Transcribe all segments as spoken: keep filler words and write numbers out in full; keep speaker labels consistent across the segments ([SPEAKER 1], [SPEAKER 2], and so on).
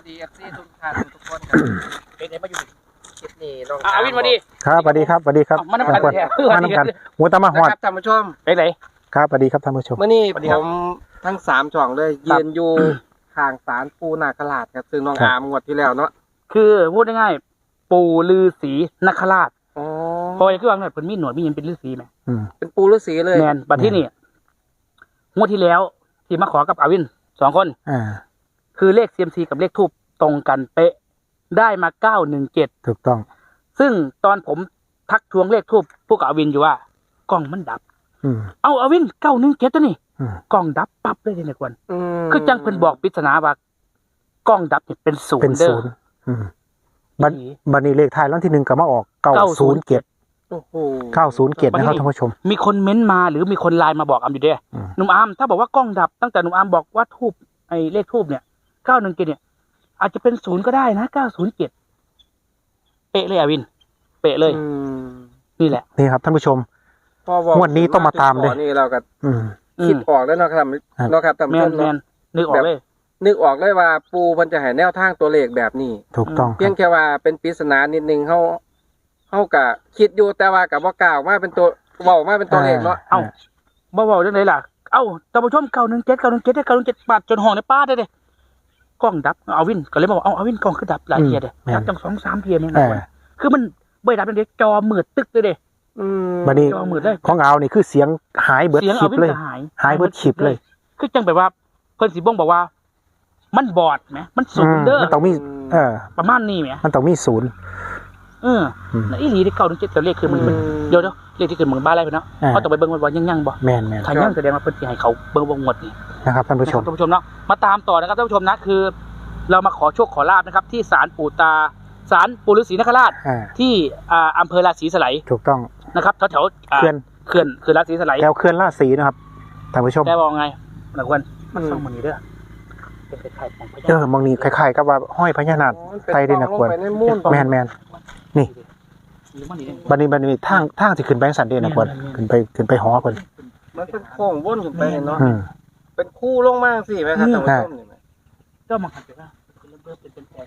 [SPEAKER 1] สดีเอฟซีทุกท่านทุกคนครับเป็นไงมาอยู่คลิปนี้น้อง
[SPEAKER 2] อาวินมาดี
[SPEAKER 3] ครับสวัสดีครับสวัสดีครับ
[SPEAKER 2] มาน้ำกันแท้
[SPEAKER 3] มาน้ำกันหัวตามาหอด
[SPEAKER 1] ครับท่านผู้ชม
[SPEAKER 2] ไปไหน
[SPEAKER 3] ครับสวัสดีครับท่านผู้ชม
[SPEAKER 1] เมื่อนี้ผมทั้งสามช่องเลยยืนอยู่ข้างศาลปูนาคราชครับซึ่งน้องอามงวดที่แล้วเนาะ
[SPEAKER 2] คือพูดง่ายๆปู่ฤาษีนคราช
[SPEAKER 1] อ๋อ
[SPEAKER 2] พอคือว่าหน่อยเพิ่นมีหนวดมีหยังเป็นฤาษีไหม
[SPEAKER 1] เป็นปูฤาษีเลย
[SPEAKER 2] แมนบัดที่นี่งวดที่แล้วที่มาขอกับอาวินสองคน
[SPEAKER 3] อ่า
[SPEAKER 2] คือเลข ซี เอ็ม ซี กับเลขทูปตรงกันเป๊ะได้มาเก้าหนึ่งเจ็ด
[SPEAKER 3] ถูกต้อง
[SPEAKER 2] ซึ่งตอนผมทักทวงเลขทูปพวกอาวินอยู่ว่ากล้องมันดับเอาอาวินเก้าหนึ่งเจ็ดตัวนี่กล้องดับปั๊บเลยเนี่ยควรคือจังเพิ่นบอกปริศนาว่ากล้องดับเนี่ยเป็นศูนย์เด้อ
[SPEAKER 3] บันบันนี้เลขท้ายรางวัลที่หนึ่งก็มาออกเก้าศูนย์เจ็ด
[SPEAKER 1] โอ้โห
[SPEAKER 3] เก้าศูนย์เจ็ดนะครับท่านผู้ชม
[SPEAKER 2] มีคนเม้นมาหรือมีคนไลน์มาบอกอามอยู่เด้หนุ่มอามถ้าบอกว่ากล้องดับตั้งแต่หนุ่มอามบอกว่าทูบไอ้เลขทูบเนี่ยเก้าหนึ่งเจ็ดเนี่ยอาจจะเป็นศูนย์ก็ได้นะเก้าศูนย์เจ็ดเป๊ะเลยอาวินเป๊ะเลยนี่แหละ
[SPEAKER 3] นี่ครับท่านผู้ชมงวดนี้ต้องมาตามเลย
[SPEAKER 1] นี่เราก็คิดออกแล้วเนาะครับเนาะครับท่านผู้ชมเนาะ
[SPEAKER 2] นึกออกเลย
[SPEAKER 1] นึกออกเลยว่าปูมันจะให้แนวทางตัวเลขแบบนี้
[SPEAKER 3] ถูกต้อง
[SPEAKER 1] เพียงแค่ว่าเป็นปริศนานิดนึงเขาเขากะคิดอยู่แต่ว่ากับว่ากล่าวว่าเป็นตัวเว้ามาเป็นตัวเลขเนาะ
[SPEAKER 2] เอ้าบ่เว้าจังได๋ล่ะเอ้าท่านผู้ชมเก้าหนึ่งเจ็ด เก้าหนึ่งเจ็ด เก้าหนึ่งเจ็ดบาทจนห้องในป้าได้เด้กล้องดับเอาวินก็เลยบอกเอาเอาวินกล้องคือดับหลายเทียเด้ดับจัง สอง สาม เทียแม่นบ่คือมันบ่ดับจังได๋จอมืดตึกเลยเด้
[SPEAKER 3] อืมบัดนี้ของเอานี่คือเสียงหายเบิดคลิปเลยหายเบิดคลิปเลย
[SPEAKER 2] คือจังแบบว่าเพิ่นสิบ่งบอกว่ามันบอดไหมมันศูนย์เด้อ
[SPEAKER 3] มันต้องมีเออ
[SPEAKER 2] ประมาณนี้ไหม
[SPEAKER 3] มันต้องมีศูนย์
[SPEAKER 2] เออแล้วอีหลีที่เก้าถึงเจ็ดตัวเลขคือมันเดี๋ยวเดี๋ยวเลขที่เกิดเมืองบ้านอะไรไปเนาะเขาต้องไปเบิ่งว่ายังยังบ่
[SPEAKER 3] แม่นแม่น
[SPEAKER 2] ถ้ายังแสดงว่าเพิ่นสิให้เขาเบิ่งวงหมดนี่
[SPEAKER 3] นะครับท่านผู้ชม
[SPEAKER 2] ท่านผู้ชมเนาะมาตามต่อนะครับท่านผู้ชมนะคือเรามาขอโชคขอลาภนะครับที่ศาลปู่ตาศาลปู่ฤาษีนคราชที่อ่าอำเภอราศีสไล
[SPEAKER 3] ถูกต้อง
[SPEAKER 2] นะครับแถวๆ
[SPEAKER 3] เขื่อน
[SPEAKER 2] เขื่อนเขื่อนราศีสไล
[SPEAKER 3] แถวเขื่อนราศีนะครับท่านผู้ชม
[SPEAKER 2] แต่บอกไงนักวันมันส่งมันนี่เด้อ
[SPEAKER 3] เออมองนี่คล้ายๆกับว่าห้อยพญานาคไตได้นักควรแมนแมนนี่บันนี้บันนี้ทางทางที่ขึ้นไปสันเดนักควรขึ้นไปขึ้นไปหอคน
[SPEAKER 1] มันเป็นโค้งวนขึ้นไปเนาะเป็นคู่ลงมากสิไหมครับท่านผู้ชมนี่
[SPEAKER 2] ก็มาขัดกันเริ่มเป็นเป็นแผล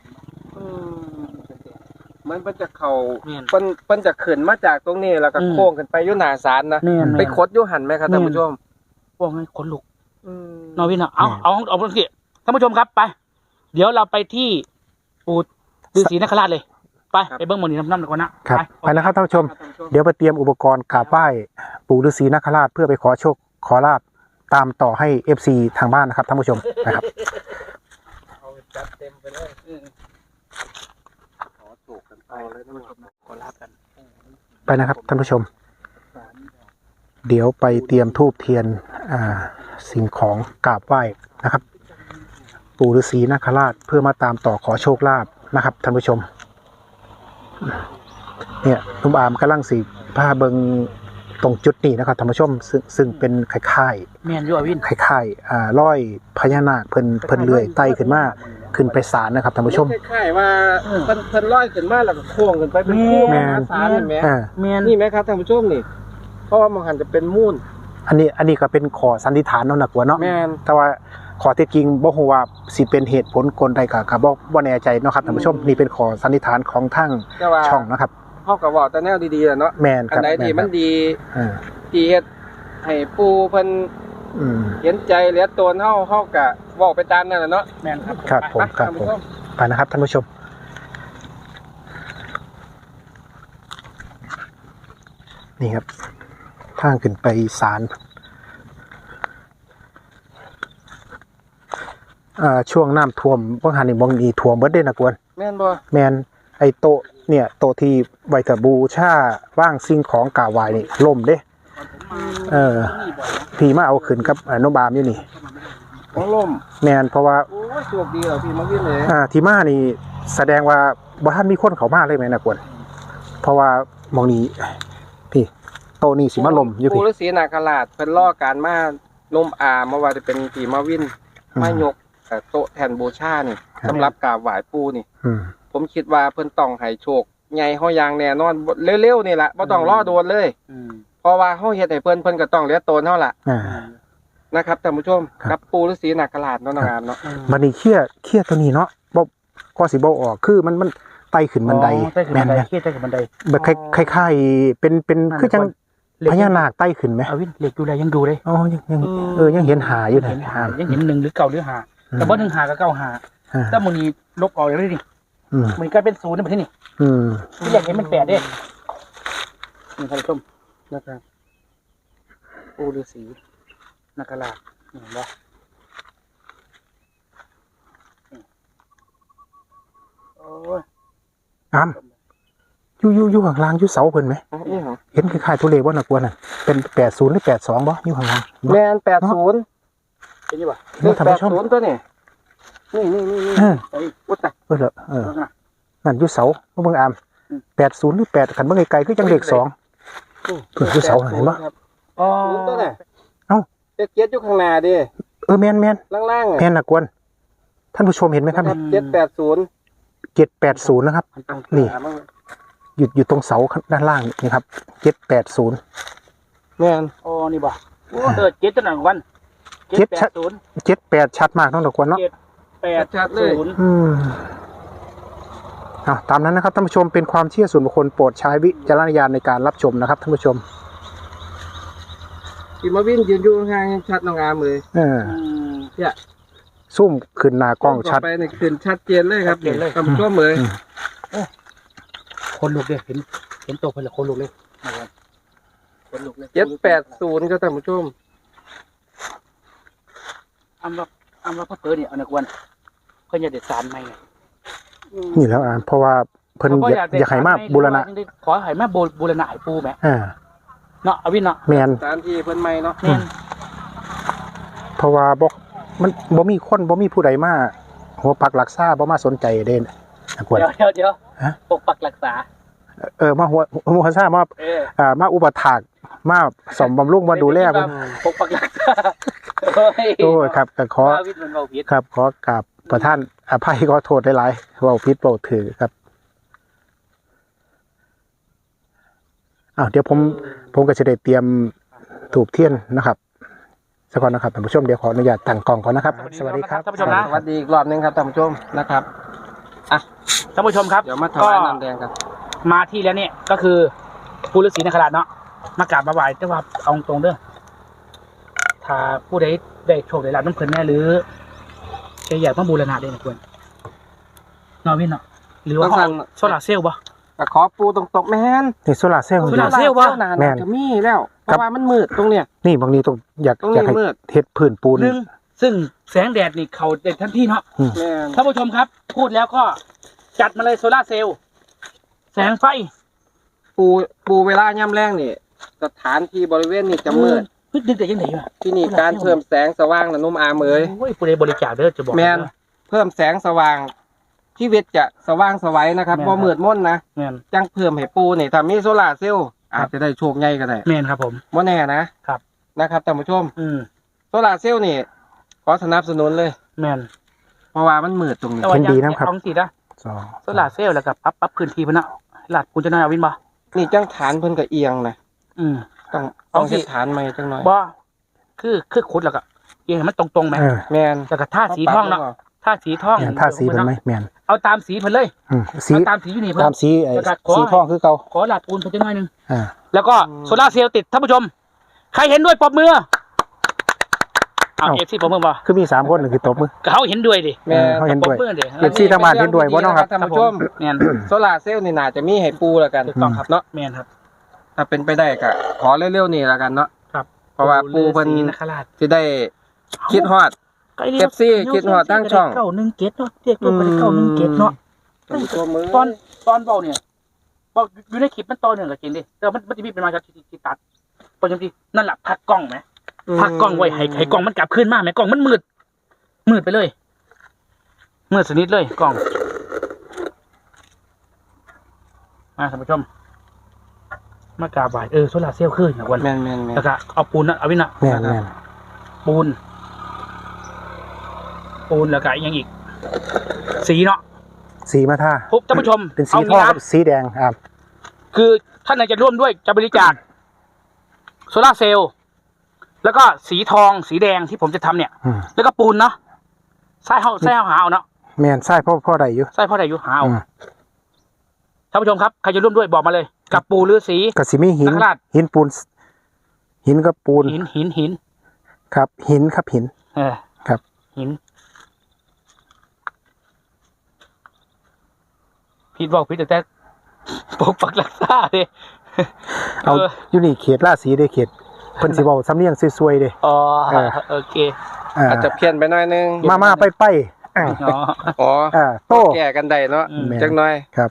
[SPEAKER 1] มันเป็นจะเข่าเป็นเป็นจะขึ้นมาจากตรงนี้แล้วก็โค้งขึ้นไปยุ่หนาศาลนะไปคดยุ่หันไหมครับท่านผู้ชม
[SPEAKER 2] ว่าไงขนลุกนอวินอ่ะเอาเอาเอาเอาสิท่านผู้ชมครับไปเดี๋ยวเราไปที่ปู่ฤาษีนคราชเลยไปไปเบิ้งหมอนี่น้ำน้ำหน่อยก่อนนะครับ
[SPEAKER 3] ไปนะครับท่านผู้ชมเดี๋ยวไปเตรียมอุปกรณ์กราบไหว้ปู่ฤาษีนคราชเพื่อไปขอโชคขอลาภตามต่อให้ เอฟ ซี ทางบ้านนะครับท่านผู้ชมนะครับ
[SPEAKER 1] เอาจัดเต็มไปเลยขอโชคกันไปเลยท่านผู้ชมขอลาภกัน
[SPEAKER 3] ไปนะครับท่านผู้ชมเดี๋ยวไปเตรียมธูปเทียนอ่าสิ่งของกราบไหว้นะครับปู่ฤาษีนคราชเพื่อมาตามต่อขอโชคลาภนะครับท่านผู้ชมเนี่ยนุ่มอามกำลังสีผ้าเบิงตรงจุดนี้นะครับท่านผู้ชมซึ่งซึ่งเป็นคล้าย
[SPEAKER 2] ๆแมนยูอวิน
[SPEAKER 3] คล้ายๆอ่าร้อยพญานาคเพิ่นเพิ่นเลื่อยไต่ขึ้นมาขึ้นไปศาลนะครับท่านผู้ชม
[SPEAKER 1] คล้ายๆว่าเพิ่นเพิ่นร้อยขึ้นมาแล้วก็โค้งขึ้นไปเป็นคู่ศาลเห็นไหมนี่ไหมครับท่านผู้ชมนี่เพราะว่ามันหันจะเป็นมูล
[SPEAKER 3] อันนี้อันนี้ก็เป็นขอสันนิษฐานเนาะนักว่าเนาะแต่ว่าขอเท็จจริงบ่ฮู้ว่าสิเป็นเหตุผลกลใดก็ก็บ่บ่แน่ใจเนาะครับท่านผู้ชมนี่เป็นขอสันนิษฐานของทางช่องนะครับ
[SPEAKER 1] เฮาก็เว้าแต่แนวดีๆแหละเนาะ
[SPEAKER 3] แม่นครับ
[SPEAKER 1] อันใดที่มันดีเออที่เฮ็ดให้ปู่เพิ่นอืมเห็นใจเหลือตนเฮาเฮาก็เว้าไปตามนั่นแหละเนาะ
[SPEAKER 2] แม่นครับ
[SPEAKER 3] ครับผมครับผมไปนะครับท่านผู้ชมนี่ครับทางขึ้นไปศาลอ่าช่วงน้ำท่วมบางหันนี่บางนีท่วมเบิดเด้นะกวน
[SPEAKER 1] แม่นบ่
[SPEAKER 3] แม่นไอ้โต๊ะเนี่ยโต๊ะที่ไว้บูชาว่างสิ่งของกราบไหว้นี่ล่มเด้เออพี่มาเอาขึ้นกับน้องบามอยู่นี่
[SPEAKER 1] ของล่ม
[SPEAKER 3] แม่นเพราะว่า
[SPEAKER 1] โอ้ยโชคดีเหรอพี่มาวินเลย
[SPEAKER 3] อ่าที่มานี่แสดงว่าบ่ทันมีคนเข้ามาเลยไหมนะกวนเพราะว่ามองนี้พี่โต๊ะนี่สิมาล่มอยู่พี่
[SPEAKER 1] ปู่ฤาษีนาคราชเพิ่นรอการมาล่มอาเมื่อว่าจะเป็นพี่มาวินมายกโต๊ะแทนบูชานี่สำหรับกราบไหว้ปู่นี่ผมคิดว่าเพิ่นต้องให้โชคใหญ่เฮาอย่างแน่นอนเร็วๆนี่ล่ะบ่ต้องรอโดนเลยเพราะว่าเฮาเฮ็ดให้เพิ่นเพิ่นก็ต้องเหลือตนเฮาล่ะนะครับท่านผู้ชมกับปู่ฤาษีนาคราชเนาะงามเนาะ
[SPEAKER 3] บัดนี้เขี้ยเขี้ยตัวนี้เนาะบ่ก็สิบ่ออกคือมันมันไต่ขึ้นบันได
[SPEAKER 2] อ๋อใต้ขึ้น
[SPEAKER 3] แม่
[SPEAKER 2] บั
[SPEAKER 3] น
[SPEAKER 2] นได
[SPEAKER 3] แม่น
[SPEAKER 2] เคียใต้ขึ้นบันได
[SPEAKER 3] แบบคล้ายๆเป็นเป็นคือจังพญานาคไต่ขึ้นไหม
[SPEAKER 2] เอาวินเหล็กดูแลยังดูเลย
[SPEAKER 3] อ๋อยังยังเออยังเห็นหาอยู่นะ
[SPEAKER 2] เห็นหายังเห็นหนึ่งหรือเก่าหรือหาแต่ว่าหนึ่งหากับเก้าหา
[SPEAKER 3] อ่า
[SPEAKER 2] ถ้ามันนี้ลบออกเลยดิ
[SPEAKER 3] อืม
[SPEAKER 2] มันกลายเป็นศูนย์ในประเทศนี่
[SPEAKER 3] อืม
[SPEAKER 2] ที่แรกเห็นมันแปดเด้นี่ท่านผู้ชมนะครับปูฤาษีนาคราชนี่เห็นปะนี่โอ้ย
[SPEAKER 3] อ้ำอยู่อยู่อยู่ข้างล่างอยู่เสาเพิ่นไหม
[SPEAKER 1] อ๋อนี่เหรอ
[SPEAKER 3] เห็นคล้ายๆตัวเลขว่าน่ากลัวน่ะเป็นแปดศูนย์หรือแปดสองบ่อยู่ข้างล่าง
[SPEAKER 1] แมนแปดศูนย์
[SPEAKER 2] เห็นยี่ปะ
[SPEAKER 3] เห็นบ่ท่าน
[SPEAKER 1] แปด
[SPEAKER 3] ผู้ชม
[SPEAKER 1] ศูนย์ตัวนี่นี่นี่นี่นี่
[SPEAKER 3] เออ
[SPEAKER 2] เฮ้ย
[SPEAKER 1] อุ๊ยตาย
[SPEAKER 3] เออเหรอเออ
[SPEAKER 2] เอาหน่ะ
[SPEAKER 3] นั่นอยู่เสาบ่เบิ่งอาม
[SPEAKER 2] อืม
[SPEAKER 3] แปดศูนย์หรือแปดคันเบิ่งไกลๆคือจังเลขสอง เพิ่นคือเสาเห็นปะ
[SPEAKER 1] ครับ
[SPEAKER 2] อ๋อ
[SPEAKER 1] ศูนย์ตัวน่ะ
[SPEAKER 3] เอ้า
[SPEAKER 1] เจ็ดเจ็ดอยู่ข้างหน้าดิ
[SPEAKER 3] เออแม่นแม่น
[SPEAKER 1] ล่างๆอ่ะ
[SPEAKER 3] แม่นน่ากวนท่านผู้ชมเห็นไหมครับ
[SPEAKER 1] เจ็ดแปดศูนย์
[SPEAKER 3] เจ็ดแปดศูนย์นะครับ
[SPEAKER 2] มันต้อง
[SPEAKER 3] นี่
[SPEAKER 1] หาบ้าง
[SPEAKER 3] อยู่อยู่ตรงเสาด้านล่างนี่ครับเจ็ดแปดศูนย์
[SPEAKER 1] แม่น
[SPEAKER 2] อ๋อนี่บ่เออเจ็ดตัวหนึ่งวัน
[SPEAKER 3] เจ็ด
[SPEAKER 2] แป
[SPEAKER 3] ชัด
[SPEAKER 2] ดศูนย์
[SPEAKER 3] เจ็ดแปดชัดมากน้องตะกวนเนาะ
[SPEAKER 2] เจ็ดแปดศูนย์
[SPEAKER 3] อืมอ่ะตามนั้นนะครับท่านผู้ชมเป็นความเชื่อส่วนบุคคลโปรดใช้วิจารณญาณในการรับชมนะครับท่านผู้ชม
[SPEAKER 1] ที่มาวินยืนอยู่ข้างๆชัดน้องอามเลย
[SPEAKER 3] เออ
[SPEAKER 2] อืม
[SPEAKER 1] เนี่ย
[SPEAKER 3] ซุ่มขึ้นหน้ากล้องชัด
[SPEAKER 1] ไปนี่ขึ้นชัดเจนเลยครับ
[SPEAKER 2] ชัดเจนเลย
[SPEAKER 1] ท่านผู้ชมเลย
[SPEAKER 3] อืม
[SPEAKER 2] คนลุกเลยเห็นเห็นตัวเพิ่นและคนลุกเลยนะครับคนลุกเลย
[SPEAKER 1] เจ็ดแปดศูนย์ครับท่านผู้ชม
[SPEAKER 2] อำว่าอำว่าพ่อเปิดเนี่ยเอาหนักวันเพิ่นอยากเด็ดสารไหมเนี่ย
[SPEAKER 3] นี่แล้วอ่ะเพราะว่าเพิ่นอยากอยากให้มาบูรณะ
[SPEAKER 2] ขอให้มาบูบูรณะให้ปูแหม
[SPEAKER 3] อ่า
[SPEAKER 2] เนาะเอาวินเนาะ
[SPEAKER 3] แมน
[SPEAKER 1] สถานที่เพิ่นใหม่เนาะ
[SPEAKER 2] แม่น
[SPEAKER 3] เพราะว่าบ่มันบ่มีคนบ่มีผู้ใดมาหัวปักหลักษาบ่มาสนใจเด่นนะกวน
[SPEAKER 2] เดี๋ยวเดี๋ยวเดี๋ยว
[SPEAKER 3] ฮะ
[SPEAKER 2] ปกปักรักษา
[SPEAKER 3] เออมาหัวหัวษามา
[SPEAKER 2] เออ
[SPEAKER 3] อ่ามาอุปถากมาสมบำรุงมาดูแลเพิ่น
[SPEAKER 2] ปกปักรักษาโอ้ย
[SPEAKER 3] โอ้ยครับก็ขอ
[SPEAKER 2] ว่าวินมันเบาผิด
[SPEAKER 3] ครับขอกราบประท่านอภัยขอโทษหลายๆเว้าผิดเว้าถือครับอ้าวเดี๋ยวผมผมก็จะได้เตรียมถูกเทียนนะครับสักก่อนนะครับท่านผู้ชมเดี๋ยวขออนุญาตตั้งกล้องก่อนนะครับ สวัสดีครับ
[SPEAKER 2] ท่านผู้ชมนะ
[SPEAKER 1] สวัสดีอีกรอบหนึงครับท่านผู้ชมนะครับอ่ะ
[SPEAKER 2] ท่านผู้ชมครับ
[SPEAKER 1] เดี๋ยวมาถวายน้ำแดงกัน
[SPEAKER 2] มาที่แล้วเนี่ยก็คือปูฤาษีนาคราชเนาะมากราบมาไหว้แต่ว่าเอาตรงเด้อถ้าผู้ใดได้โชคได้ลาบน้ำเพลินแน่หรือจะอยากมาบูรณะได้นะควรเนาะวินเนาะหรือว่าเขาเอาโซลาร์เซลล์บ่
[SPEAKER 1] ก็ขอปูตรงๆแม่น
[SPEAKER 3] นี่โซลาร์เซลล์
[SPEAKER 2] โซลาร์เซลล์วะ
[SPEAKER 1] นาน
[SPEAKER 3] แม่น
[SPEAKER 1] จะมีแล้วเพ
[SPEAKER 3] ครับ
[SPEAKER 1] ราะว่ามันมืดตรงเนี้ย
[SPEAKER 3] นี่บางนี้ต้องอยาก
[SPEAKER 1] ตรง
[SPEAKER 3] อยาก
[SPEAKER 1] นี้
[SPEAKER 3] ให้
[SPEAKER 1] มืด
[SPEAKER 3] เฮ็ดพื้นปูน
[SPEAKER 2] ซึ่งซึ่งแสงแดดนี่เขาเด็ดทันทีเนาะ
[SPEAKER 1] แม่น
[SPEAKER 2] ท่านผู้ชมครับ พูดแล้วก็จัดมาเลยโซลาร์เซลล์แสงไฟ
[SPEAKER 1] ปูปูเวลาย่ำแรงนี่สถานที่บริเวณนี้จะมืด
[SPEAKER 2] เฮ้ยดึกแต่ยังไงวะ
[SPEAKER 1] ที่นี่การเพิ่มแสงสว่างนะนุ่มอามเอ๋ย
[SPEAKER 2] โอ้ยผู้ใดบริจาคเด้อจะบอก
[SPEAKER 1] แมน เพิ่มแสงสว่างชีวิตจะสว่างสวัยนะครับบ่มืดมนนะ
[SPEAKER 2] แมน
[SPEAKER 1] จังเพิ่มให้ปูนี่ถ้ามีโซลาร์เซลล์อาจจะได้โชคใหญ่ก็ได้
[SPEAKER 2] แมนครับผม
[SPEAKER 1] บ่แน่นะครับ นะครับท่านผู้ชม
[SPEAKER 2] อืม
[SPEAKER 1] โซลาร์เซลล์นี่ขอสนับสนุนเลย
[SPEAKER 2] แมน
[SPEAKER 1] เพราะว่ามันมืดตรงนี้
[SPEAKER 2] แต่ว่า
[SPEAKER 3] เห็นดี
[SPEAKER 2] อยาก
[SPEAKER 3] นะครับ
[SPEAKER 2] เอาสินะ
[SPEAKER 3] สอง
[SPEAKER 2] โซลาร์เซลล์แล้วก็ปรับปรับพื้นที่เพิ่นเนาะหลัดคุณจะน้อยเอาวินบ่
[SPEAKER 1] นี่จังฐานเพิ่นก็เอียงนะ
[SPEAKER 2] อืม
[SPEAKER 1] ต้อง
[SPEAKER 2] เอา
[SPEAKER 1] ต้อง
[SPEAKER 2] สิ
[SPEAKER 1] เฮ็ดฐานใหม่จังหน่อย
[SPEAKER 2] บ่คือคือขุดแล้วก็เอียงให้มันตรงๆไหม
[SPEAKER 3] เออ
[SPEAKER 1] แมน
[SPEAKER 2] แล้วก็ท่าสีทองเนาะท่าสีทอง
[SPEAKER 3] เนี่ยท่าสีเป็นไหมแมน
[SPEAKER 2] เอาตามสีเพิ่นเลย
[SPEAKER 3] อืมสี
[SPEAKER 2] เอาตามสีอยู่นี่เพิ่
[SPEAKER 3] ตาน มสีไอ้
[SPEAKER 2] แล้วก็ขอ
[SPEAKER 3] สีทองคือเก่า
[SPEAKER 2] ขอหลัดปูนเพิ่นจะน้อยหนึง
[SPEAKER 3] อ่า
[SPEAKER 2] แล้วก็โซลาร์เซลล์ติดท่านผู้ชม ใครเห็นด้วยปรบมือเอาเอฟซีปรบมือบ่
[SPEAKER 3] คือมีสามคนหนึ่งคือตบมือ
[SPEAKER 2] ก็เขาเห็นด้วยดิ
[SPEAKER 1] แม่น
[SPEAKER 3] เขาเห็นด้วย
[SPEAKER 2] ปรบมือดิ
[SPEAKER 3] เอฟซีทางบ้านเห็นด้วยบ่เนาะครับ
[SPEAKER 1] ท่านผู้ชม
[SPEAKER 2] แม่น
[SPEAKER 1] โซลาร์เซลล์นี่น่าจะมีให้ปูแล้วกัน
[SPEAKER 2] ถูกต้องครับ
[SPEAKER 1] เนาะ
[SPEAKER 2] แม่นครับ
[SPEAKER 1] ถ้าเป็นไปได้ก็ขอเร็วๆนี่แล้วกันเนาะ
[SPEAKER 2] ครับ
[SPEAKER 1] เพราะว่าปูเพิ่น
[SPEAKER 2] ฤาษีนคราช
[SPEAKER 1] สิได้คิดฮอด
[SPEAKER 2] ใกล้เรีย
[SPEAKER 1] เอฟซีคิดฮอดทั้งช่อง
[SPEAKER 2] เก้าหนึ่งเกตเนาะเรียกลูกไปได้เก้าหนึ่งเกตเนาะ
[SPEAKER 1] ตัวมือ
[SPEAKER 2] ตอนตอนเบาเนี่ยบอกอยู่ในคลิปมันตอนหนึ่งกับจริงดิแต่มันมันจะมีเป็นมาจากที่ที่ตัดพอจำที่นั่นแหละพักกล้องไหมพักกล้องไว้ให้ให้กล้องมันกลับคืนมาไหมกล้องมันมืดมืดไปเลยมืดสนิทเลยกล้องมาท่านผู้ชมมากราบไหว้เออโซลาร์เซลล์ขึ้นนะวัน
[SPEAKER 1] แม่นแม่นแม่น
[SPEAKER 2] แล้วก็เอาปูนนะเอาวินะ
[SPEAKER 3] แม่นแม่น
[SPEAKER 2] ปูน ปูนแล้วก็อีกอยังอีก สีเนาะ
[SPEAKER 3] สีมาท่า
[SPEAKER 2] ทุกท่านผู้ชม
[SPEAKER 3] เป็นสี
[SPEAKER 2] า
[SPEAKER 3] ทอง
[SPEAKER 2] งี้
[SPEAKER 3] กับ
[SPEAKER 2] นะ
[SPEAKER 3] สีแดงอ่า
[SPEAKER 2] คือท่านไหนจะร่วมด้วยจะบริจาคโซลาร์เซลล์แล้วก็สีทองสีแดงที่ผมจะทำเนี่ย
[SPEAKER 3] อืม
[SPEAKER 2] แล้วก็ปูนเนาะใส่เฮาใส่เฮาหาเอาเนาะ
[SPEAKER 3] แม่นใช่พ่อพ่อใดอยู่
[SPEAKER 2] ใช่พ่อใดอยู่หาเอา
[SPEAKER 3] อืม
[SPEAKER 2] ท่านผู้ชมครับใครจะร่วมด้วยบอกมาเลย กับปู่ฤาษี
[SPEAKER 3] ก็สิมีหิน
[SPEAKER 2] นักราช
[SPEAKER 3] หินปูน หินกับปูน
[SPEAKER 2] หินหินหิน
[SPEAKER 3] ครับ หินครับหิน
[SPEAKER 2] เออ
[SPEAKER 3] ครับ
[SPEAKER 2] หินผิดบอกผิดแต่ปกปักรักษาเด้
[SPEAKER 3] เอาอยู่นี่เขตราศีเด้เขตเพิ่นสิเว้าสำเนียงซวยๆเด้
[SPEAKER 2] อ๋อ
[SPEAKER 3] เออ
[SPEAKER 2] โอเค
[SPEAKER 3] อ่า
[SPEAKER 1] อาจจะเพี้ยนไปหน่อยนึง
[SPEAKER 3] มามาไปไปอ่า
[SPEAKER 2] อ๋อ
[SPEAKER 1] อ๋อ
[SPEAKER 3] อ่าโต
[SPEAKER 1] แก้กันได้เนาะ
[SPEAKER 2] อืม
[SPEAKER 1] จักหน่อย
[SPEAKER 3] ครับ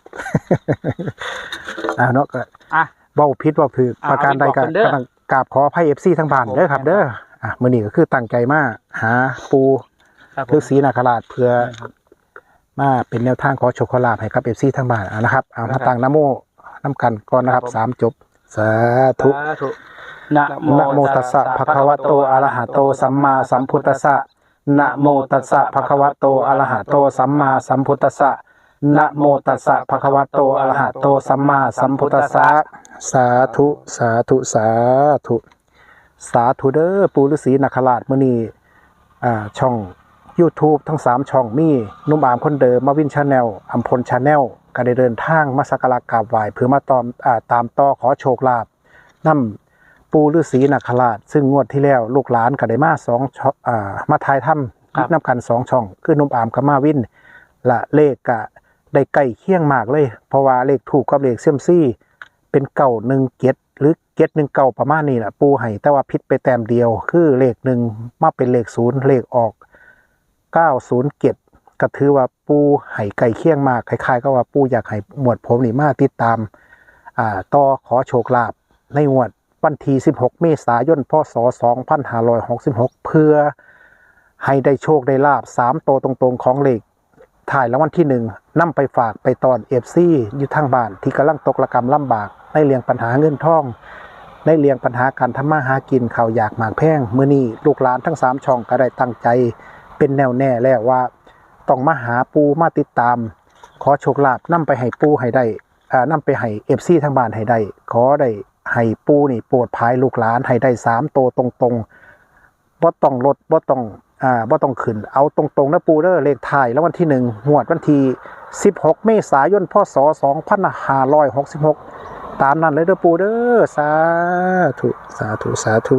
[SPEAKER 3] อ่าเนาะก็
[SPEAKER 2] อ่ะ
[SPEAKER 3] เว้าผิดเว้าถูก
[SPEAKER 2] อ่า
[SPEAKER 3] ประการใดก็
[SPEAKER 2] เอาไปบอกเพิ่นเด้อ
[SPEAKER 3] กำลังกราบขออภัย เอฟ ซี ทั้งบ้านเด้อครับ เด้ออ่ะมื้อนี้ก็คือตั้งใจมาหาปู
[SPEAKER 2] ครับผม
[SPEAKER 3] ฤาษีนาคราชเพื่อมาเป็นแนวทางขอโชคขอลาภให้กับ เอฟ ซี ทั้งบ้านอ่ะนะครับเอามาตั้งนะโมนํกันก่อนนะครับสามจบสาธุ
[SPEAKER 2] สาธุนะโม
[SPEAKER 3] นะโมตัสสะภะคะวะโตอะระหะโตสัมมาสัมพุทธัสสะนะโมตัสสะภะคะวะโตอะระหะโตสัมมาสัมพุทธัสสะนะโมตัสสะภะคะวะโตอะระหะโตสัมมาสัมพุทธัสสะสาธุสาธุสาธุสาธุเด้อปู่ฤาษีนาคราชมื้อนี้อ่าช่อง YouTube ทั้งสามช่องมีหนุ่มอามคนเดิมมาวิน Channel อัมพล Channel ก็ได้เดินทางมาสักการะกราบไหว้เพื่อมาตามอ่าตามต่อขอโชคลาภนำปู่ฤาษีนาคราชซึ่งงวดที่แล้วลูกหลานก็ได้มาสองช่องอ่ามาถ่ายทำนำกันสองช่องคือหนุ่มอามกับมาวินและเลขก็ได้ใกล้เคียงมากเลย เพราะว่าเลขถูกกับเลขเซียมซี่เป็นเก่าหนึ่งเก็ดหรือเก็ดหนึ่งเก่าประมาณนี้แหละปูให้แต่ว่าพิษไปแต้มเดียว คือเลขหนึ่งมาเป็นเลขศูนย์เลขออกเก้าศูนย์เก็ดก็ถือว่าปูให้ไก่เคียงมากคล้ายๆก็ว่าปูอยากให้หมวดผมนี่มาติดตามอ่าต่อขอโชคลาภในงวดวันที่สิบหกเมษายนพศสองพันห้าร้อยหกสิบหกเพื่อให้ได้โชคได้ลาบสามโตวตรงๆของเลขถ่ายรางวัลที่หนึ่งนำไปฝากไปตอนเอฟซีอยู่ทางบ้านที่กำลังตกระกรรมลำบากในเรื่องปัญหาเงินทองในเรื่องปัญหาการทำมาหากินข่าวอยากหมากแพงมื้อนี้ลูกหลานทั้งสามช่องก็ได้ตั้งใจเป็นแนวแน่แล้วว่าต้องมาหาปูมาติดตามขอโชคลาภนำไปให้ปูให้ได้อ่านำไปให้เอฟซีทางบ้านให้ได้ขอได้ให้ปูนี่โปรดภายลูกหลานให้ได้สามโตวตรงๆบ่ต้องลดบ่ต้องอ่าบ่ต้องขึ้นเอาตรงๆนะปูเด้อเลขท้ายแล้ววันที่หนึ่งงวดวันที่สิบหกเมษายนพศสองพันห้าร้อยหกสิบหกตามนั้นเลยเด้อปูเด้อสาธุสาธุสาธุ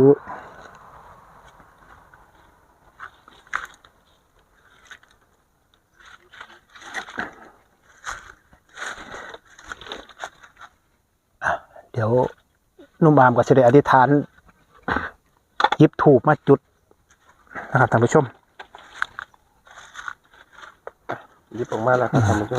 [SPEAKER 3] เดี๋ยวนุ่มบามก็จะได้อธิษฐานหยิบถูกมาจุดนะครับท่านผู้ชม
[SPEAKER 1] หยิบออกมาแล้วครับท่านผู้ชม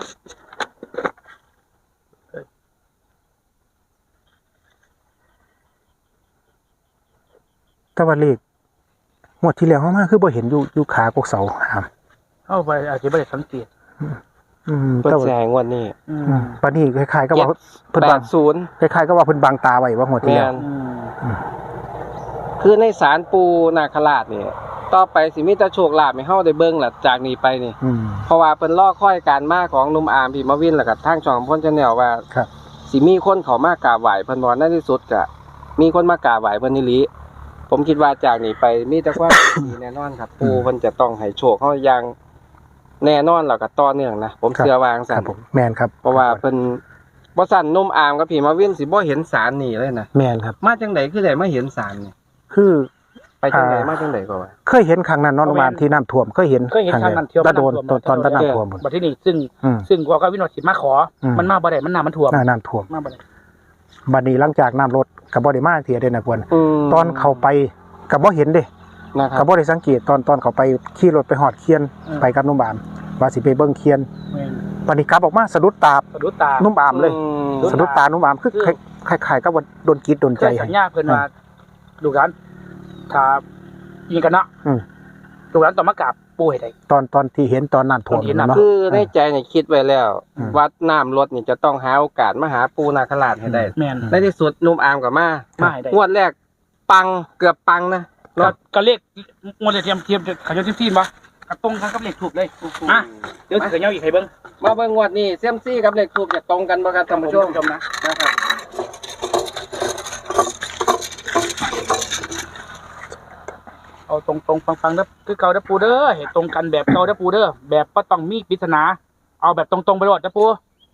[SPEAKER 3] แต่ว่าเลขงวดที่แล้วเขามาคือบ่เห็นอยู่อยู่ขากกเสาครับ
[SPEAKER 2] เข้าไปอาจจะไม่ได้สังเกต
[SPEAKER 3] อืม
[SPEAKER 1] เพิ่น
[SPEAKER 3] แต่
[SPEAKER 1] สิ
[SPEAKER 3] ว่า
[SPEAKER 1] ให้งวดนี้
[SPEAKER 2] อืม
[SPEAKER 3] อืมปานนี้คล้ายๆก็ว่าเพิ่น
[SPEAKER 1] แป
[SPEAKER 3] บัง
[SPEAKER 1] ดศูนย์
[SPEAKER 3] คล้ายๆก็ว่าเพิ่นบังตาไว้ว่างวดที่
[SPEAKER 1] แม่
[SPEAKER 3] แล้ว
[SPEAKER 1] น
[SPEAKER 2] อืม
[SPEAKER 1] คือในศาลปูนาคราชนี่ต่อไปสิมีแต่โชคลาภให้เฮาได้เบิ่งล่ะจากนี้ไปนี่
[SPEAKER 3] อืม
[SPEAKER 1] เพราะว่าเพิ่นรอคอยการมาของหนุ่มอาร์มพี่มาวินแล้วก็ทางช่องพ่น Channel ว่า
[SPEAKER 3] ครับ
[SPEAKER 1] สิมีคนเขามากราบไหว้เพิ่นบ่ในที่สุดก็มีคนมากราบไหว้เพิ่นอีหลีผมคิดว่าจากนี้ไปมีแต่ความ ดีแน่นอนครับปูเพิ่นจะต้องให้โชคเฮาอย่างแน่นอนแล้วก็ต่อเนื่องนะผมเชื่อว่าจัง
[SPEAKER 3] ค
[SPEAKER 1] ซั่
[SPEAKER 3] รับ
[SPEAKER 1] น
[SPEAKER 3] ผมแม่นครับ
[SPEAKER 1] เพราะว่าเพิ่นบ่สั่นหนุ่มอาร์มกับพี่มาวินสิบ่เห็นสารนี่เลยนะ
[SPEAKER 3] แม่นครับ
[SPEAKER 1] มาจังไดคือได้มาเห็นสารนี่
[SPEAKER 3] คือ
[SPEAKER 1] ไปจังได
[SPEAKER 3] อ่าม
[SPEAKER 1] มาจังไดก็ว่า
[SPEAKER 3] เคยเห็นครั้งนั้นเนอนโรงพยาบาลที่น้ำท่วมเคยเห็น
[SPEAKER 2] เคยเห็นทางนั้นเที่ยว
[SPEAKER 3] ตะโดนตอนตอนตอนน้ำท่วมหมด
[SPEAKER 2] บัดที่นี่ซึ่ง
[SPEAKER 3] อืม
[SPEAKER 2] ซึ่งว่าก็วินโนสิมาขออ
[SPEAKER 3] ม
[SPEAKER 2] มันมาบ่ได้มันน้ำมันท่วม
[SPEAKER 3] หน้าน้ำท่วม
[SPEAKER 2] มาบ่ได้
[SPEAKER 3] บัดนี้หลังจากน้ำลดก็บ่ได้มาเที่ยเด้นะกวน
[SPEAKER 1] ม
[SPEAKER 3] ตอนเข้าไปก็บ่เห็นเด้
[SPEAKER 1] นะค
[SPEAKER 3] ก็
[SPEAKER 1] รับ
[SPEAKER 3] บ่ได้สังเกตตอนตอนเขาไปขี่รถไปหอดเคียนไปกับนุ่มบามว่าสิไปเบิ่งเคียน
[SPEAKER 2] แม่น
[SPEAKER 3] วันนี้กลับออกมาสะดุดตา
[SPEAKER 2] สะดุดตา
[SPEAKER 3] นุ่มบามเลย
[SPEAKER 1] อืม
[SPEAKER 2] สะ
[SPEAKER 3] สะดุดตานุ่มบามคือ
[SPEAKER 2] คือ
[SPEAKER 3] คล้ายๆกับว่าโดนกีดโดน
[SPEAKER 2] เค
[SPEAKER 3] ใจ
[SPEAKER 2] ยสัญญาเพิ่นว่าลูกหลานถ้ายิงกันเนาะ
[SPEAKER 3] อืม
[SPEAKER 2] ลูกหลานต้องมากราบปู่ให้ได้
[SPEAKER 3] ตอนตอนที่เห็นตอนน้ำท่วม
[SPEAKER 2] ตอนเห็นน้ำ
[SPEAKER 3] เนาะ
[SPEAKER 1] คือในใจเนี่ยคิดไว้แล้ว
[SPEAKER 3] อืม
[SPEAKER 1] วัดน้ำลดนี่จะต้องหาโอกาสมาหาปูนาคราชให้ได้
[SPEAKER 2] แม่น
[SPEAKER 1] ในที่สุดหนุ่มอาร์มกับมา
[SPEAKER 2] มาให้ได้
[SPEAKER 1] งวดแรกปังเกือบปังนะ
[SPEAKER 2] ก็ก็เลขงวดเลขเทียมเทียมเขาจะทีมบ่กระตรงกันกับเลขถูกเลยอ่ะเดี๋ยวสิเขย่าอีกให้เบิ่ง
[SPEAKER 1] มาเบิ่งงวดนี้เซียมซี่กับเลขทูบจะตรงกันบ่ครับท่านผู้ชม
[SPEAKER 2] ชมนะ
[SPEAKER 1] นะครับ
[SPEAKER 2] เอาตรงๆฟังๆเด้อคือเก่าเด้อปูเด้อเห็นตรงกันแบบเก่าเด้อปูเด้อแบบบ่ต้องมีปริศนาเอาแบบตรงๆไปโลดเด้อปู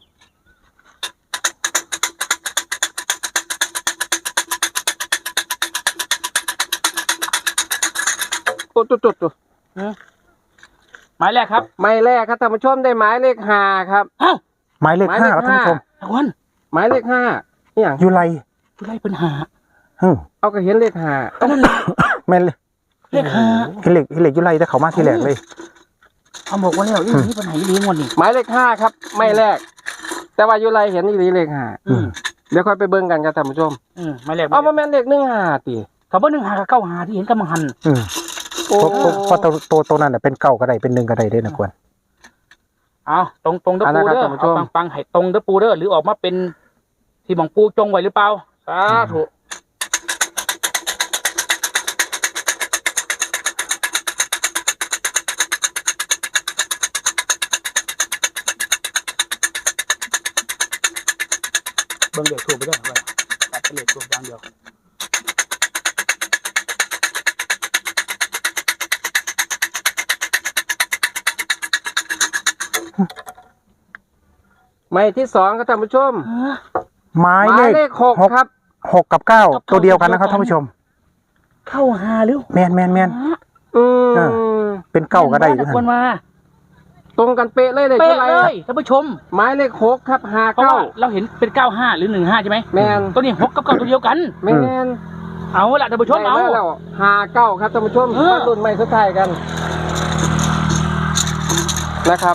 [SPEAKER 1] ตุ๊ดตุ๊ดตุ๊ดตุ๊ด
[SPEAKER 2] หมายแรกครับ
[SPEAKER 1] หมายแรกครับท่านผู้ชมได้หมายเลขห้าครับ
[SPEAKER 2] อ้าว
[SPEAKER 3] หมายเลขห้าครับท่านผู้ชม
[SPEAKER 2] ตะวัน
[SPEAKER 1] หมายเลขห้านี่อย่าง
[SPEAKER 3] อยู่ไร
[SPEAKER 2] ผู้ไล่ปัญหา
[SPEAKER 3] ฮึม
[SPEAKER 1] เอาก็เห็นเลขห้า
[SPEAKER 2] ก็นั่นแหละ
[SPEAKER 3] แม่นเลย
[SPEAKER 2] เลขห้า
[SPEAKER 3] เห็นเหล็กเห็นเหล็กอยู่ไรแต่เขามาที่แรกเลย
[SPEAKER 2] เอาบอกว่าแล้วอีนี่ปัญหาอีนี่งวดนี่
[SPEAKER 1] หมายเลขห้าครับไม่แรก แต่ว่าอยู่ไรเห็นอีหลีเลขห้า
[SPEAKER 2] อืม
[SPEAKER 1] เดี๋ยวค่อยไปเบิ่งกันครับท่านผู้ชม
[SPEAKER 2] อืมหมายแรก
[SPEAKER 1] เอามาแม่นเลขหนึ่งห้าติ
[SPEAKER 2] เขาบอกหนึ่งหากับเก้าหาที่เห็นกำลังหัน
[SPEAKER 3] อืม
[SPEAKER 1] โอ้
[SPEAKER 3] เพราะเพราะเพราะตัวตัวตัวนั้นน่ะเป็นเก่าก็ได้เป็นหนึ่งก็ได้เด้นะควร
[SPEAKER 2] เอาตรงตรงๆเด้อปูเด้อเอาปังปังๆให้ตรงเด้อปูเด้อหรือออกมาเป็นที่หมองปูจงไว้หรือเปล่าสาธุเบิ่งเด็กถูกไปด้วยไปตัดเป็นเด็กถูกอย่างเดียว
[SPEAKER 1] หมายที่สองครับท่านผู้ชม
[SPEAKER 3] หมาย
[SPEAKER 1] ห
[SPEAKER 3] เล
[SPEAKER 1] มาย
[SPEAKER 3] ข
[SPEAKER 1] เลขหกครับ
[SPEAKER 3] หกกับเก้าตัวเดียวกันนะครับท่านผู้ชม
[SPEAKER 2] เข้าหาหรือ
[SPEAKER 3] แมนแมนแมน
[SPEAKER 1] อืม
[SPEAKER 3] อ่า เป็นเก้าก็ได้ด้วย
[SPEAKER 2] ควรมา
[SPEAKER 1] ตรงกันเป๊ะเลยเลย
[SPEAKER 2] เป๊ะ
[SPEAKER 1] ท่าไหร่
[SPEAKER 2] เลยท่านผู้ชม
[SPEAKER 1] หมายเลขหกครับห้า
[SPEAKER 2] เพราะ
[SPEAKER 1] เก้า
[SPEAKER 2] ว่าเราเห็นเป็นเก้าห้าหรือหนึ่งห้าใช่ไหม
[SPEAKER 1] แมน
[SPEAKER 2] ตัวนี้หกกับเก้าตัวเดียวกัน
[SPEAKER 1] แมน
[SPEAKER 2] เอาละท่านผู้ชมเอา
[SPEAKER 1] ได้แล้วห้าเก้าครับท่านผู้ชม
[SPEAKER 2] เออ
[SPEAKER 1] มารุ่นใหม่สุดท้ายกันนะครับ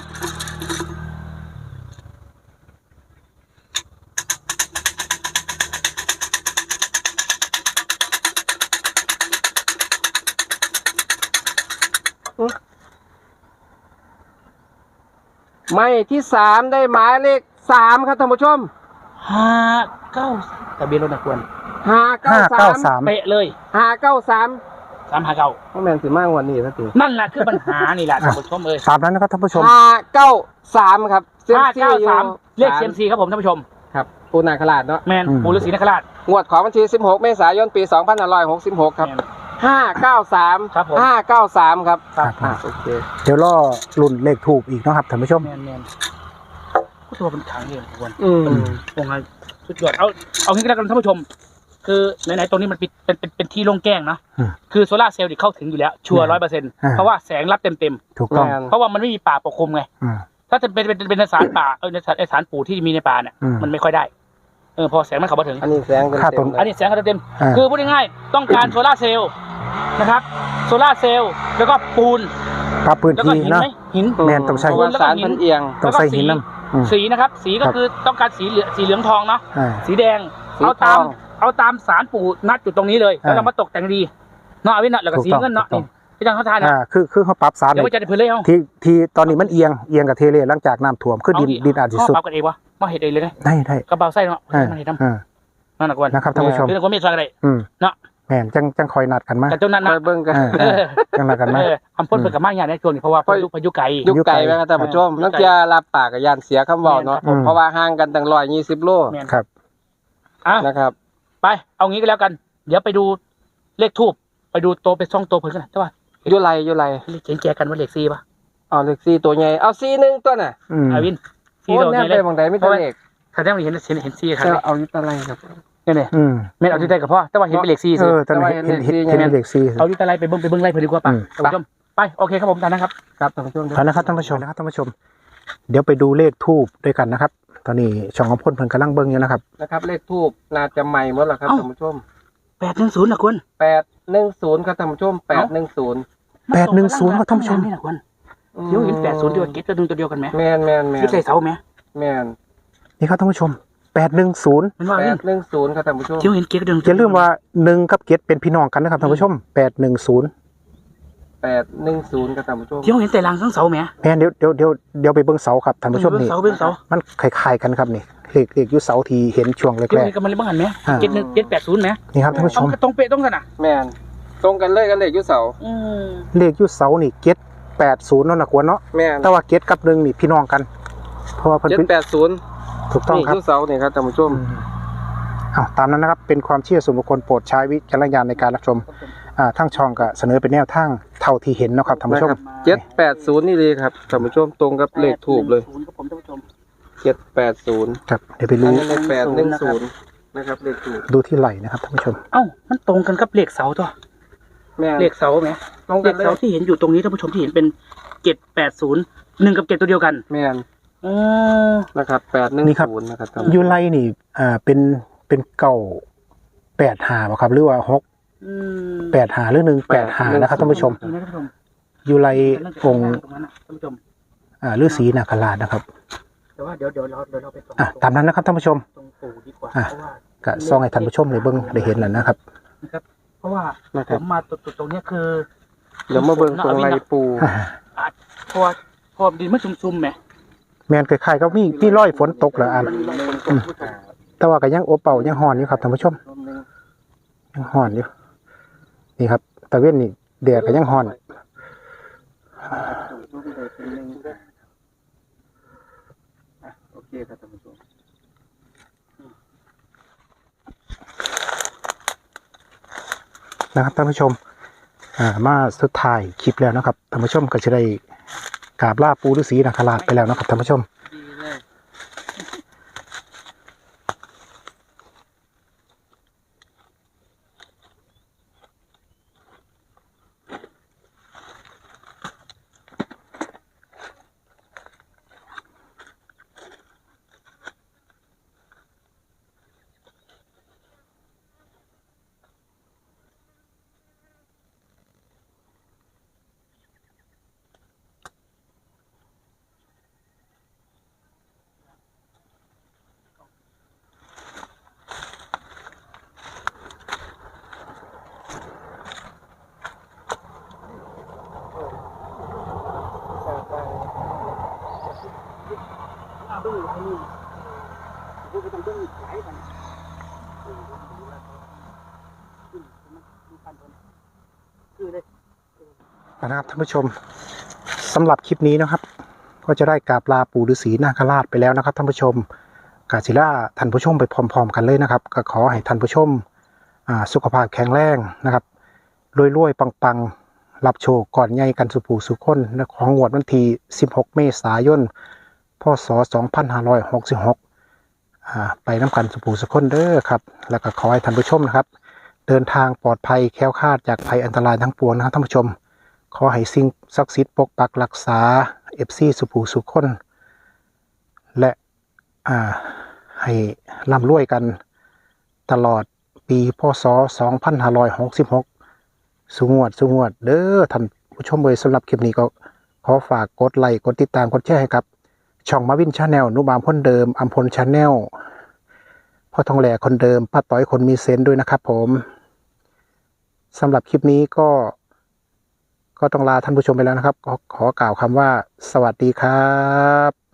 [SPEAKER 1] หมายที่สามได้หมายเลขสามครับท่านผู้ชม
[SPEAKER 2] ห้าเก้าทะเบียนรถนะควร
[SPEAKER 1] ห้าเก้า
[SPEAKER 3] ห้า
[SPEAKER 1] สา
[SPEAKER 3] เก้าม สาม
[SPEAKER 2] เป๊ะเลย
[SPEAKER 1] ห้าเก้าสาม
[SPEAKER 2] สามห้าเก้า
[SPEAKER 1] พ่อแมนสิมากกว่านี้สักที
[SPEAKER 2] นั่นแหละคือปัญหานี่แหละท่านผู้ชมเอ้ย
[SPEAKER 3] ตามนั้นนะครับท่านผู้ชม
[SPEAKER 1] ห้าเก้าสามครับ
[SPEAKER 2] ห้าเก้าสาม
[SPEAKER 1] ซี
[SPEAKER 2] เลขเซียมซีครับผมท่านผู้ชม
[SPEAKER 1] ครับปูนาคราชเนาะ
[SPEAKER 2] แมน
[SPEAKER 3] อืม
[SPEAKER 2] ปู่ฤาษีนคราช
[SPEAKER 1] งวดของวันที่สิบหกเมษายนปีสองพันห้าร้อยหกสิบหกครับ
[SPEAKER 2] แม่น
[SPEAKER 1] ห้าเก้าสาม
[SPEAKER 2] ครับผม
[SPEAKER 1] ห้าเก้าสามครับ
[SPEAKER 3] ครับ
[SPEAKER 1] อ่าโอเค
[SPEAKER 3] เดี๋ยวรอรุ่นเลขถูกอีกเนาะครับท่านผู้ชม
[SPEAKER 2] แมนแมนผู้ตัวเป็นขังเองควร
[SPEAKER 1] อืม
[SPEAKER 2] วงไงสุดยอดเอาเอางี้ก็แล้วกันท่านผู้ชม คือไหนๆตรงนี้มันเป็นเป็นเป็นเป็นที่โล่งแจ้งนะ
[SPEAKER 3] อืม
[SPEAKER 2] คือโซล่าร์เซลล์เข้าถึงอยู่แล้วชัวร์ร้อยเปอร์เซ็นต์
[SPEAKER 3] อ่า
[SPEAKER 2] เพราะว่าแสงรับเต็มเต็ม
[SPEAKER 3] ถูกต้อง
[SPEAKER 1] แมน
[SPEAKER 2] ๆเพราะว่ามันไม่มีป่าปกคลุมไง
[SPEAKER 3] อืม
[SPEAKER 2] ถ้าจะเป็นเป็นเป็นเป็นสารป่าเออในสารในสารปู่ที่มีในป่าเนี่ย
[SPEAKER 3] อืม
[SPEAKER 2] มันไม่ค่อยได้เออพอแสงมันเข้ามาถึง
[SPEAKER 1] อันนี้แสงเต็ม
[SPEAKER 3] ค่า
[SPEAKER 1] เต็
[SPEAKER 3] ต้
[SPEAKER 1] ม
[SPEAKER 3] น
[SPEAKER 1] เลย
[SPEAKER 2] อันนี้แสงเข้าเต็ม
[SPEAKER 3] อ่า
[SPEAKER 2] ๆคือพูดง่ายๆต้องการโซล่าร์เซลล์นะครับโซล่าร์เซลล์แล้วก็ปูน
[SPEAKER 3] ปรับพื้น
[SPEAKER 2] แล้วก็
[SPEAKER 3] ที่
[SPEAKER 2] หิน
[SPEAKER 3] เนาะ
[SPEAKER 2] ไหมหิน
[SPEAKER 3] แมนต้องใช้
[SPEAKER 1] เพราะว่าสารมันเอียง
[SPEAKER 3] ต้องใส่หินน้ำอืม
[SPEAKER 2] สีนะครับ สีก็
[SPEAKER 3] ครับ
[SPEAKER 2] คือต้องการสีเหลืองสีเหลืองทองเนาะ
[SPEAKER 3] อ่า
[SPEAKER 2] สีแดง
[SPEAKER 1] สี
[SPEAKER 2] เอาตาม
[SPEAKER 1] ทอง
[SPEAKER 2] เอาตามสารปู่นัดจุดตรงนี้เลย
[SPEAKER 3] อ่า
[SPEAKER 2] แล้วเรามาตกแต่งดีเนาะเอาไว้เนาะแล้วก็
[SPEAKER 3] ถูก
[SPEAKER 2] สี
[SPEAKER 3] ต้อง
[SPEAKER 2] เงินเนาะ
[SPEAKER 3] ถูกต้
[SPEAKER 2] นี่
[SPEAKER 3] อง
[SPEAKER 2] พี่จังเขาทานนะ
[SPEAKER 3] อ่าคือคือเขาปรับสาร
[SPEAKER 2] เดี๋ยว
[SPEAKER 3] เล
[SPEAKER 2] ว่าย จะได้เพื่อนเลยเอา
[SPEAKER 3] ที่ที่ตอนนี้มันเอียงเอียงกับเทเลหลังจากน้ำท่วมคือดินดินอาจจะ
[SPEAKER 2] เขา
[SPEAKER 3] สุด
[SPEAKER 2] ปรับกันเองวะมาเห็ดเองเลยไง
[SPEAKER 3] ได้ได้
[SPEAKER 2] กระเป๋าไส้เนาะ
[SPEAKER 3] อ่า
[SPEAKER 2] มาเห็ดท
[SPEAKER 3] อ่า
[SPEAKER 2] ำนั่นนะกวน
[SPEAKER 3] นะครับท่านผู้ชม
[SPEAKER 2] คือคนไม่สั่งอะไร
[SPEAKER 3] อืม
[SPEAKER 2] เนาะ
[SPEAKER 3] แมนจังจังคอยนัดกันมา
[SPEAKER 2] แต่เจ้านั้น
[SPEAKER 1] ค
[SPEAKER 2] นะ
[SPEAKER 1] อยเบิ่งกัน
[SPEAKER 3] อ่า
[SPEAKER 2] เออ
[SPEAKER 3] จังนัดกันมา
[SPEAKER 2] เออคำพูดเป็นกับมากอย่างในช่วงนี้เพราะว่าพายุพายุไกล
[SPEAKER 1] ยุคไกลไหมครับท่านผู้ชม
[SPEAKER 2] ยุคไกล
[SPEAKER 1] นักเจียรับปากกับยานเสียคำเว่าเนาะ
[SPEAKER 2] แม่นครับผม
[SPEAKER 1] เพราะว่าห่างกันตั้งร้อยยี่สิบโล
[SPEAKER 2] แม่น
[SPEAKER 3] ครับ
[SPEAKER 2] อ่ะ
[SPEAKER 1] นะครับ
[SPEAKER 2] ไปเอางี้ก็แล้วกัน เดี๋ยวไปดูเลขทูบไปดูโตไปซ่องโตเพิ่นกันใช่ป่ะ
[SPEAKER 1] อยุไรอยุไร
[SPEAKER 2] เลขเขียนแจกันว่าเลขซีป่ะ
[SPEAKER 1] เอาเลขสี่ตัวใหญ่เอาสี่หนึ่งตัวน่ะ
[SPEAKER 3] อืม
[SPEAKER 2] อาวินซี
[SPEAKER 1] โอ้
[SPEAKER 2] เรา
[SPEAKER 1] แน
[SPEAKER 2] เนี่
[SPEAKER 1] บ
[SPEAKER 2] ย
[SPEAKER 1] ไป
[SPEAKER 2] เลย
[SPEAKER 1] บางใดไม่ตัวเลข
[SPEAKER 2] แสดงว่าเห็นเห็นเห็นซีครับ
[SPEAKER 1] จะเอายุตอะไรครับ
[SPEAKER 2] เนี่ยเนี่ย
[SPEAKER 3] อืม
[SPEAKER 2] ไม่เอาที่ใดกับพ่อแต่ว่าเห็นเป็นเลขซี
[SPEAKER 3] เอ
[SPEAKER 2] สิ
[SPEAKER 3] อตอนนี้เห็นเห็นเห็นเห็นเลขสี่
[SPEAKER 2] เอาที่อะไรไปเบิ้งไปเบิ้งไล่เพิ่นดีกว่าป่ะ
[SPEAKER 3] อืม
[SPEAKER 2] ท่านผู้ชมไปโอเคครับผมท่านนะครับ
[SPEAKER 1] ครับท่านผู้ชม
[SPEAKER 3] เอานะครับท่านผู้ชมนะครับท่านผู้ชม เดี๋ยวไปดูเลขทูบด้วยกันนะครับ ตอนนี้ช่องของพ่นเพิ่นกำลังเบิ้งอยู่นะครับ
[SPEAKER 1] นะครับเลขทูบน่าจะใหม่หมดแล้วครับท่านผู้ชม
[SPEAKER 2] แปดหนึ่งศูนย์นะคุณ
[SPEAKER 1] แปดหนึ่งศูนย์ครับท่านผู้ชมแปดหนึ่งศูนย์
[SPEAKER 3] แปดหนึ่งศูนย์ครับท่านผู้ชม
[SPEAKER 2] นี่นะคุณเดี๋ยวเห็นแปดศูนย์ตัวเก็ตตัวหนึงตัวเดียวกันไหม
[SPEAKER 1] แมนแมนแม
[SPEAKER 2] ยึด
[SPEAKER 1] น
[SPEAKER 2] ใส่เสาไหม
[SPEAKER 1] แมน
[SPEAKER 3] นี่ครับท่านผู้ชมแปดหนึ่งศูนย์
[SPEAKER 2] มันว่า
[SPEAKER 1] แป
[SPEAKER 2] เล่
[SPEAKER 1] ด
[SPEAKER 2] น
[SPEAKER 1] หนึ่งศูนย์ครับท่านผู้ชม
[SPEAKER 2] เดี๋ยวเห็นเก็ตตัวหนึง
[SPEAKER 3] อย่าลืมว่าหนึ่งกับเกตเป็นพี่น้องกันนะครับท่านผู้ชมแปดหนึ่งศูนย์
[SPEAKER 1] แปดหนึ่งศูนย์ครับท่านผู้ชม
[SPEAKER 2] เดี๋ยวเห็นแต่รางทั้งเสาไหม
[SPEAKER 3] แม่นเดี๋ยวเดี๋ยวเดี๋ยวเดี๋ยวไปเบิ้งเสาครับท่านผู้ชม
[SPEAKER 2] เบิ้ง
[SPEAKER 3] นี่
[SPEAKER 2] เสาเบิ้งเสา
[SPEAKER 3] มันคล้ายๆกันครับนี่เลขเลขอยุเสาทีเห็นช่วงแร
[SPEAKER 2] เดี๋ยว
[SPEAKER 3] ก
[SPEAKER 2] เห็นกับมันเลยบ้างหันไหม
[SPEAKER 3] อ่า
[SPEAKER 2] เก็ตหนึ่งเก็ตแปดศูนย์ไหม
[SPEAKER 3] ๆนี่ครับท่านผู้ช
[SPEAKER 2] ต้อง
[SPEAKER 3] ม
[SPEAKER 2] ตรงเป๊ะต้องกันอ่ะ
[SPEAKER 1] แมนตรงกันเลยกันเลขอยุเสา
[SPEAKER 2] อืม
[SPEAKER 3] เลขอยุเสานี่เกตแปดศูนย์นั่นนะกวนเนาะ
[SPEAKER 1] แมน
[SPEAKER 3] แต่ว่าเกตกับหนึ่งนี่พี่น้องกัน เพราะว่าเพิ่น
[SPEAKER 1] เจ็ด
[SPEAKER 3] เป็น
[SPEAKER 1] แปดศูนย์
[SPEAKER 3] ถูกต้อง
[SPEAKER 1] นี่
[SPEAKER 3] ครับ
[SPEAKER 1] ยุเสานี่ครับท่านผู้ชม
[SPEAKER 3] อืมอ้าวตามนั้นนะครับเป็นความเชื่อส่วนบุคคลโปรดใช้วิจารณญาณในการรับชมอ่าทั้งช่องก็เสนอเป็นแนวทางเท่าที่เห็นเนาะครับท่านผู้ชม
[SPEAKER 1] เจ็ดแปดศูนย์นี่เลยครับท่านผู้ชมตรงกับเลขถูกเลย
[SPEAKER 2] ศูนย์ครับผมท่านผู้ชม
[SPEAKER 1] เจ็ดแปดศูนย์
[SPEAKER 3] ครับเดี๋ยวไป
[SPEAKER 1] อัน
[SPEAKER 3] รู้
[SPEAKER 1] นี้เลขแปดหนึ่งศูนย์นะครับเลขถูก
[SPEAKER 3] ดูที่ไหลนะครับท่านผู้ชม
[SPEAKER 2] เอ้ามันตรงกันกับเลขเสาตัว
[SPEAKER 1] แม่
[SPEAKER 2] เลขเสาไหม
[SPEAKER 1] ตรง
[SPEAKER 2] เล
[SPEAKER 1] กัน
[SPEAKER 2] ข
[SPEAKER 1] เลย
[SPEAKER 2] เสาที่เห็นอยู่ตรงนี้ท่านผู้ชมที่เห็นเป็นเจ็ดแปดศูนย์หนึ่งกับเจ็ดตัวเดียวกัน
[SPEAKER 1] แม่น
[SPEAKER 2] อ๋อ
[SPEAKER 1] นะครับแปดหนึ่ง
[SPEAKER 3] นี่ครับ
[SPEAKER 1] ศูนย์นะครับท่าน
[SPEAKER 3] ยูไลนี่อ่าเป็นเป็นเก่าแปดหาบ่ครับหรือว่าหก
[SPEAKER 2] อืม
[SPEAKER 3] แปดหาหรือหนึ่งแปดหานะครับท่านผู้ชม
[SPEAKER 2] นี่นะท่านผู้ชม
[SPEAKER 3] ยูไล
[SPEAKER 2] เรื่อง
[SPEAKER 3] องค์
[SPEAKER 2] ตรงนั้นนะท่านผู้ชม
[SPEAKER 3] อ่าฤาษีนาคราชนะครับ
[SPEAKER 2] แต่ว่าเดี๋ยวเดี๋ยวเราเดี๋ยวเราไปตรง
[SPEAKER 3] อ่ะตามนั้นนะครับท่านผู้ชม
[SPEAKER 2] ตรงปู่ดีกว่า
[SPEAKER 3] อ่ะ
[SPEAKER 2] เพราะว่า
[SPEAKER 3] ก็ซ่องให้ท่านผู้ชมเลยเบิ่งได้เห็นแล้วนะครับ
[SPEAKER 2] นะครับ เพราะว่า
[SPEAKER 1] นะค
[SPEAKER 2] ผ
[SPEAKER 1] รับ
[SPEAKER 2] มมาตรงตรงเนี้ยคือ
[SPEAKER 1] เดี๋ยวมาเบิ่งตรงไรปู
[SPEAKER 3] อ่า
[SPEAKER 2] อ่ะเพราะว่าเพราะว่าดินมันซุ่มๆไหม
[SPEAKER 3] แมนคล้ายๆก็มีมีร้อยฝนตกเหรออัน
[SPEAKER 2] มันมีรอยฝนตก
[SPEAKER 3] แต่ว่าก็ยังโอเป่ายังห่อนอยู่ครับท่านผู้ชมยังห่อนอยู่นี่ครับตะเว้นนี่แดดก็ยังห่อน
[SPEAKER 1] โอเคครับท่านผู้ชม
[SPEAKER 3] นะครับท่านผู้ชมอ่ามาสุดท้ายคลิปแล้วนะครับท่านผู้ชมก็จะได้กราบลาปู่ฤาษีนาคราชไปแล้วนะครับท่านผู้ชม
[SPEAKER 1] ดีเลย
[SPEAKER 3] นะครับท่านผู้ชมสำหรับคลิปนี้นะครับ ก็จะได้กราบลาปู่ฤาษีนาคราชไปแล้วนะครับท่านผู้ชมกาศิลาท่านผู้ชมไปพร้อมๆกันเลยนะครับก็ขอให้ท่านผู้ชมอ่าสุขภาพแข็งแรงนะครับรวยๆปังๆรับโชคก่อนใหญ่กันสุภูสุคนของงวดวันที่สิบหกเมษายนพศสองพันห้าร้อยหกสิบหกอ่าไปน้ำกันสุภูสุคนเด้อครับแล้วก็ขอให้ท่านผู้ชมนะครับเดินทางปลอดภัยแคล้วคลาดจากภัยอันตรายทั้งปวงนะครับท่านผู้ชมขอให้สิ่งศักดิ์สิทธิ์ปกปักรักษาเอฟซีสุภูสุคนและอ่าให้ร่ำรวยกันตลอดปีพศสองพันห้าร้อยหกสิบหกสุงวดสุงวดเด้อท่านผู้ชมเลยสำหรับคลิปนี้ก็ขอฝากกดไลค์กดติดตามกดแชร์ให้ครับช่องมาวินชาแนลนุบามคนเดิมอัมพลชาแนลพ่อทองแหล่คนเดิมป้าต้อยคนมีเซนต์ด้วยนะครับผมสำหรับคลิปนี้ก็ก็ต้องลาท่านผู้ชมไปแล้วนะครับขอขอกล่าวคำว่าสวัสดีครับ